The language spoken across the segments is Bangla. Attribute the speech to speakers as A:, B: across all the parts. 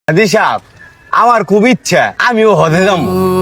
A: হাজি সাহেব, আমার খুব ইচ্ছা আমিও হজে যাবো।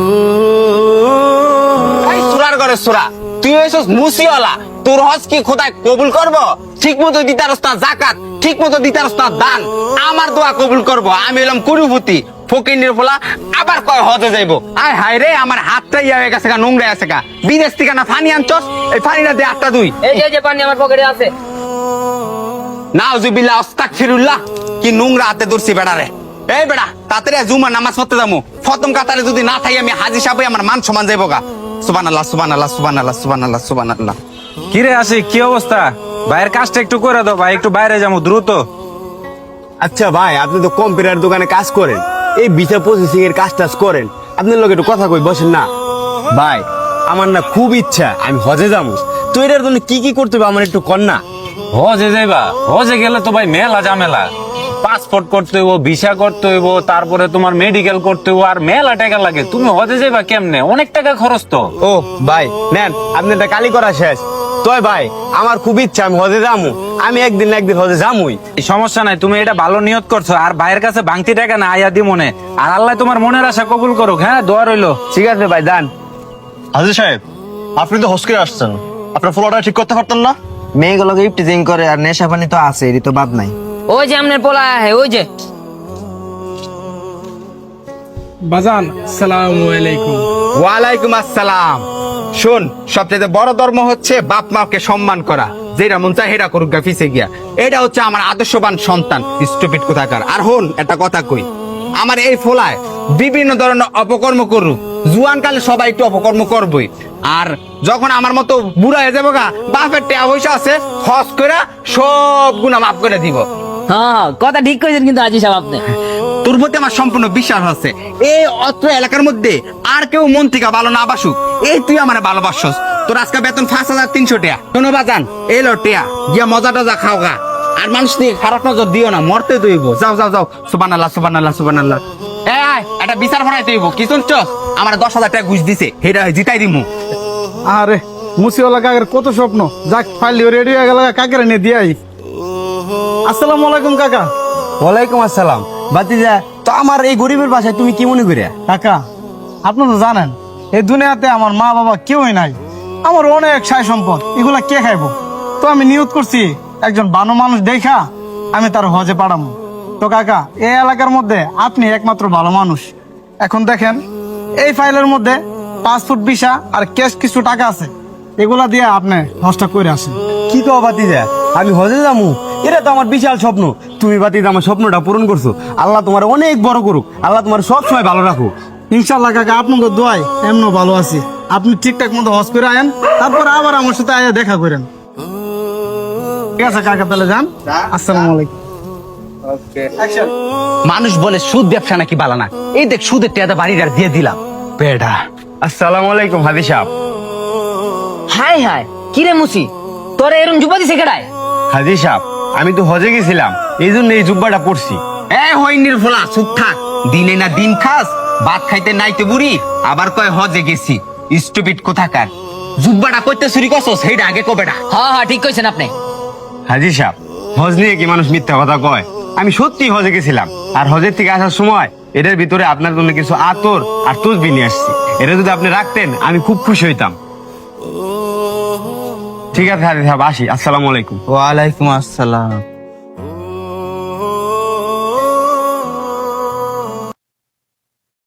A: সুরার ঘরে সুরা, তুই হয়েছিস মুসিওয়ালা, তোর হজ কি খোদায় কবুল করবো? ঠিক মতো দিতারস না জাকাত, ঠিক মতো দিতারস না দান, আমার দোয়া কবুল করবো? আমি এলাম কুরুপতি ফকির ফোলা, আবার কয় হজে যাইবো। আয় হায় রে, আমার হাতটা ইয়া হয়ে গেছে গা, নোংরা আছে গা। বিদেশ থেকে না ফানি আনছস, এই ফানিটা দে আটটা দুই।
B: এই যে পানি আমার পকেটে আছে।
A: নাউজুবিল্লাহ আস্তাগফিরুল্লাহ, কি নোংরা হাতে ধরছি বেড়ারে। এই বেড়া, তাড়াতাড়ি জুমার নামাজ পড়তে যাবো। প্রথম কাতারে যদি না থাকি আমি হাজি সাহেব, আমার মান সমান যাইবো গা। সুবহানাল্লাহ সুবহানাল্লাহ সুবহানাল্লাহ সুবহানাল্লাহ সুবহানাল্লাহ।
C: কিরে আশিক, কি অবস্থা? ভাইয়ের কাজটা একটু করে দাও ভাই, একটু বাইরে যাবো দ্রুত।
A: আচ্ছা ভাই, আপনি তো কম্পিউটার দোকানে কাজ করেন, এই ভিসা প্রসেসিং এর কাজ টাজ করেন, আপনার লোক একটু কথা কই বসেন না। ভাই আমার না খুব ইচ্ছা আমি হজে যাবো, তো এটার জন্য কি কি করতে হবে আমার একটু কর না।
C: হজে যাইবা? হজে গেলে তো ভাই মেলা ঝামেলা। পাসপোর্ট করতে হইব, ভিসা করতে হইব, তারপরে তোমার মেডিকেল করতে হইব, আর মেলা টাকা লাগে। তুমি হজে যাইবা কেমনে? অনেক টাকা খরচ তো।
A: ও ভাই নেন, আপনি এটা কালি করা শেষ। তয় ভাই আমার খুব ইচ্ছা আমি হজে যাবো, আমি একদিন না একদিন হজে যাবই।
C: সমস্যা নাই, তুমি এটা ভালো নিয়ত করছো। আর ভাইয়ের কাছে ভাঙতি টাকা না, আয়া দি মনে। আর আল্লাহ তোমার মনের আশা কবুল করুক। হ্যাঁ, দোয়া রইলো।
A: ঠিক আছে ভাই যান।
D: হাজি সাহেব, আপনি তো হজ করে আসছেন, আপনার ফলোটা ঠিক করতে পারতেন না?
E: মেয়েগুলোকে ইফটিজিং করে আর নেশা পানি তো আছে, এরই তো বাদ নাই।
B: ওই যে আমনের পোলা, ওই যে।
F: বাজান, আসসালামু আলাইকুম।
A: ওয়ালাইকুম আসসালাম। শোন, সবচেয়ে বড় ধর্ম হচ্ছে বাপ মাকে সম্মান করা, যেটা মন চায় হেরা করুক গা ফিসে গিয়া। এটা হচ্ছে আমার আদর্শবান সন্তান, স্টুপিড কোথাকার। আর হন একটা কথা কই, আমার এই ফোলায় বিভিন্ন ধরনের অপকর্ম করুক, জুয়ান কালে সবাই একটু অপকর্ম করবই। আর যখন আমার মতো বুড়া হয়ে যাবো গা, বাপের টাকা পয়সা আছে, হজ করে সব গুণা মাফ করে দিব।
B: হ্যাঁ, কথা ঠিক কইছেন কিন্তু আজি সাহেব আপনি।
A: তোর প্রতি আমার সম্পূর্ণ বিশ্বাস আছে। এই অত্র এলাকার মধ্যে আর কেউ মন থেকে ভালো না বাসুক, এই তুই আমার ভালোবাসছস। তোর আজকে বেতন 5,300 টাকা। শোনো বাজান, এলো টিয়া গিয়া মজা টজা খাও গা। আর মানুষ নিয়ে খারাপ নজর দিও না, মরতে দইব। যাও যাও যাও, সুবহানাল্লাহ সুবহানাল্লাহ সুবহানাল্লাহ। এই এটা বিচার ভরাইতে হইব। কি শুনছস? আমার 10,000 টাকা ঘুষ দিছে, হেটা জিতাই দিমু।
F: আরে মুসিওয়ালা কাকের কত স্বপ্ন, যাক ফাইল রেডি হয়ে গেল, কাকের নিয়ে দিয়াই। আসসালামু আলাইকুম কাকা।
A: ওয়ালাইকুম আসসালাম। বাতিজা, তো আমার এই গরিবের বাসায় তুমি কি মনে করিয়া?
F: কাকা, আপনি তো জানেন এই দুনিয়াতে আমার মা বাবা কেউই নাই, আমার অনেক সাই সম্পদ, এগুলা কে খাইবো? তো আমি নিয়ত করছি একজন ভালো মানুষ দেখা আমি তার হজে পাঠাবো। তো কাকা, এই এলাকার মধ্যে আপনি একমাত্র ভালো মানুষ। এখন দেখেন, এই ফাইলের মধ্যে পাসপোর্ট, ভিসা আর ক্যাশ কিছু টাকা আছে, এগুলা দিয়ে আপনি হজটা করে আসেন।
A: কি কও বাতিজা, আমি হজে যাবো? এটা তো আমার বিশাল স্বপ্ন। তুমি বাতিজা আমার স্বপ্নটা পূরণ করছো। আল্লাহ তোমার অনেক বড় করুক, আল্লাহ তোমার সব সময় ভালো রাখুক।
F: ইনশাল্লাহ কাকা, আপনাকে দোয়াই এমনও ভালো আছি। আপনি ঠিকঠাক মতো হজ করে আয়েন, তারপর আবার আমার সাথে আয়া দেখা করেন। ঠিক আছে কাকা, তাহলে যান। আসসালামু আলাইকুম।
A: মানুষ বলে সুদ ব্যবসা নাকি বালা না, এই দেখ সুদের টাকা বাড়িটা দিয়ে দিলাম বেটা। আসসালামু আলাইকুম হাজি সাহেব।
B: হাই হাই, কি রে মুসি, তোরে এরম জুবা দিছে কেডায়?
A: হাজি সাহেব, আমি তো হজে গেছিলাম, এই জন্য এই জুব্বাটা পড়ছি। এ হইনির ফোলা, চুপ থাক। দিনে না দিন খাস, ভাত খাইতে নাইতে বুড়ি, আবার কয় হজে গেছি। স্টুপিড কোথাকার। জুব্বাটা কইতে চুরি করছস, সেইটা আগে কবেটা।
B: হ্যাঁ হ্যাঁ, ঠিক কইছেন আপনি।
A: হাজি সাহেব, হজ নিয়ে কি মানুষ মিথ্যা কথা কয়? আমি সত্যি হজে গেছিলাম, আর হজের থেকে আসার সময় এটার ভিতরে আপনার জন্য কিছু আতর আর তসবিহ নিয়ে আসছি। এটা যদি আপনি রাখতেন আমি খুব খুশি হইতাম। ঠিক আছে হাজি সাহেব, আসি। আসসালামু আলাইকুম।
E: ওয়ালাইকুম আসসালাম।